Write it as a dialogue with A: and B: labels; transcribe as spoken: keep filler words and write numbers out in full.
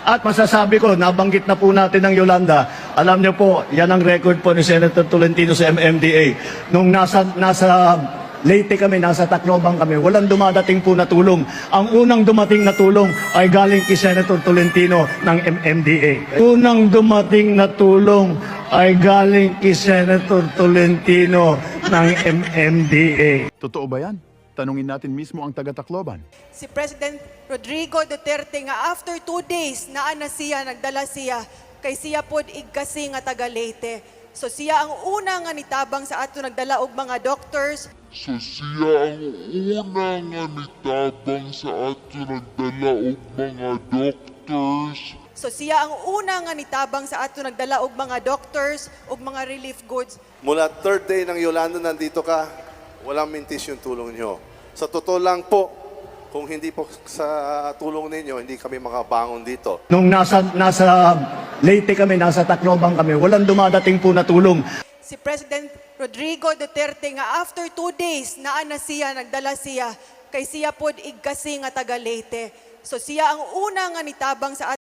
A: At masasabi ko, nabanggit na po natin ng Yolanda, alam niyo po, yan ang record po ni Senator Tolentino sa M M D A. Nung nasa, nasa Leyte kami, nasa Tacloban kami, walang dumadating po na tulong. Ang unang dumating na tulong ay galing kay Senator Tolentino ng M M D A. Unang dumating na tulong ay galing kay Senator Tolentino ng M M D A.
B: Totoo ba yan? Tanungin natin mismo ang taga-Tacloban.
C: Si President Rodrigo Duterte nga after two days naa na siya, nagdala siya, kay siya pod igkasi nga taga Leyte. So siya ang una nga nitabang sa ato nagdala og mga doctors.
D: So siya ang una nga nitabang sa ato nagdala og mga doctors.
C: So siya ang una nga nitabang sa ato nagdala og mga doctors ug mga relief goods.
E: Mula third day ng Yolanda, nandito ka, walang mintis yung tulong nyo. Sa totoo lang po, kung hindi po sa tulong ninyo, hindi kami makabangon dito.
A: Nung nasa, nasa Leyte kami, nasa Tacloban kami, walang dumadating po na tulong.
C: Si President Rodrigo Duterte nga after two days naa na siya, nagdala siya, kay siya pod igkasi nga taga Leyte. So siya ang una nga nitabang sa